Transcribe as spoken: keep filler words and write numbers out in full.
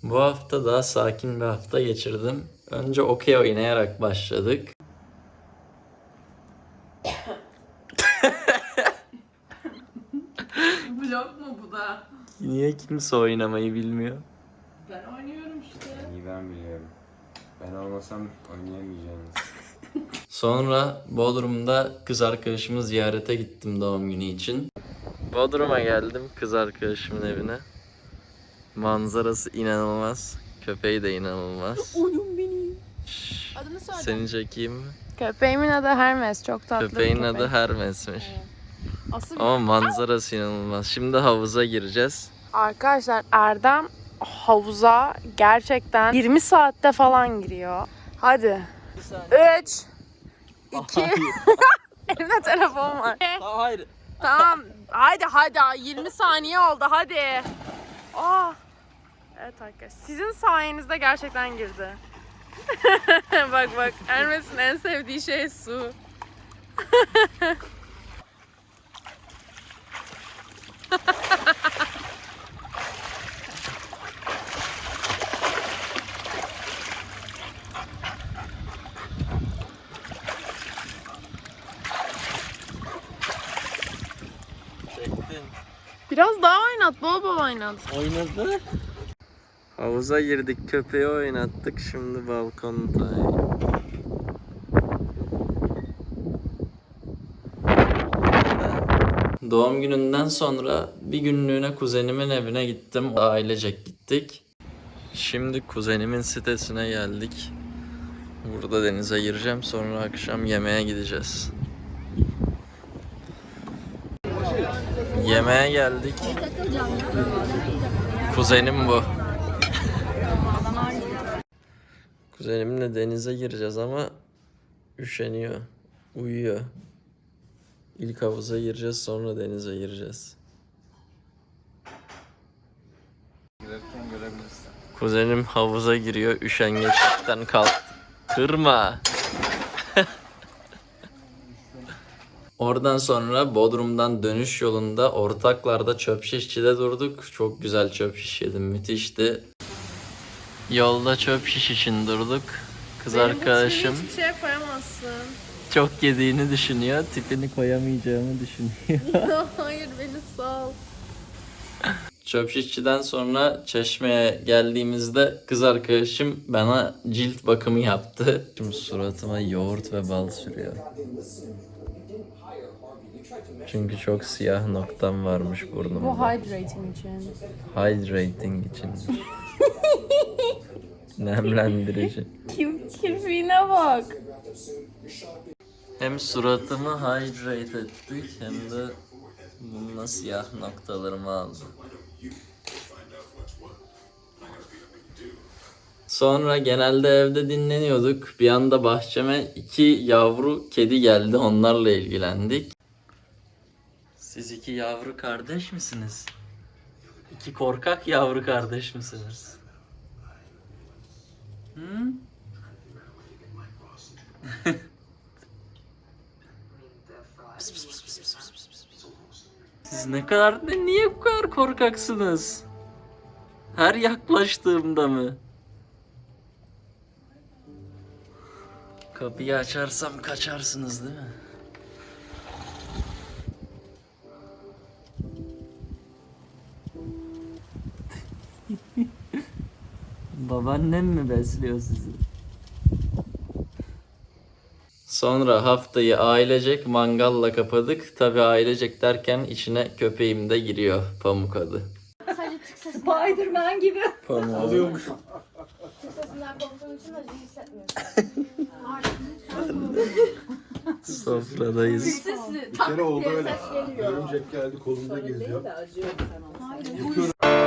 Bu hafta daha sakin bir hafta geçirdim. Önce okey oynayarak başladık. Vlog mu bu da? Niye kimse oynamayı bilmiyor? Ben oynuyorum işte. İyi ben biliyorum. Ben olmasam oynayamayacaksınız. Sonra Bodrum'da kız arkadaşımı ziyarete gittim doğum günü için. Bodrum'a geldim kız arkadaşımın evine. Manzarası inanılmaz. Köpeği de inanılmaz. Oyun benim. Şşş, Adını söyle. seni çekeyim mi? Köpeğimin adı Hermes. Çok tatlı Köpeğin bir köpek. adı Hermes'miş. Asıl Ama manzarası inanılmaz. Şimdi havuza gireceğiz. Arkadaşlar Erdem havuza gerçekten yirmi saatte falan giriyor. Hadi. üç iki Elimde telefon var. Hayır. Tamam. Hadi hadi. yirmi saniye oldu. Hadi. Aa. Evet arkadaşlar. Sizin sayenizde gerçekten girdi. Bak bak. Hermes'in en sevdiği şey su. Çektin. Biraz daha oynat. Bol bol oynat. Oynadı. Havuza girdik, köpeği oynattık. Şimdi balkonda. Doğum gününden sonra bir günlüğüne kuzenimin evine gittim. Ailecek gittik. Şimdi kuzenimin sitesine geldik. Burada denize gireceğim. Sonra akşam yemeğe gideceğiz. Yemeğe geldik. Kuzenim bu. Kuzenimle denize gireceğiz ama üşeniyor. Uyuyor. İlk havuza gireceğiz, sonra denize gireceğiz. Girerken görebilirsin. Kuzenim havuza giriyor, üşengeçlikten kalktı. Kırma. Oradan sonra Bodrum'dan dönüş yolunda Ortaklar'da çöp şişçide durduk. Çok güzel çöp şiş yedim, müthişti. Yolda çöp şiş için durduk. Kız arkadaşım Hiçbir şey koyamazsın. çok yediğini düşünüyor, tipini koyamayacağımı düşünüyor. Hayır beni sal. Çöp şişçiden sonra Çeşme'ye geldiğimizde kız arkadaşım bana cilt bakımı yaptı. Şimdi suratıma yoğurt ve bal sürüyor. Çünkü çok siyah noktam varmış burnumda. Bu hydrating için. Hydrating için. Nemlendirici. Kim kirpiğine bak. Hem suratımı hydrate ettik hem de bununla siyah noktalarımı aldı. Sonra genelde evde dinleniyorduk. Bir anda bahçeme iki yavru kedi geldi. Onlarla ilgilendik. Siz iki yavru kardeş misiniz? İki korkak yavru kardeş misiniz? Hı? Pıs pıs pıs pıs pıs pıs pıs pıs. Siz ne kadar, ne, niye bu kadar korkaksınız? Her yaklaştığımda mı? Kapıyı açarsam kaçarsınız değil mi? Babaannem mi besliyor sizi? Sonra haftayı ailecek mangalla kapadık. Tabii ailecek derken içine köpeğim de giriyor. Pamuk adı. Spiderman gibi. Pamuk. Alıyormuşum. Sesinden korktuğun için acı hissetmiyorsun. Sofradayız. Sesi Bir kere oldu öyle. ses geliyor. Örümcek geldi kolumda geziyor. Hayır, Yıkıyorum.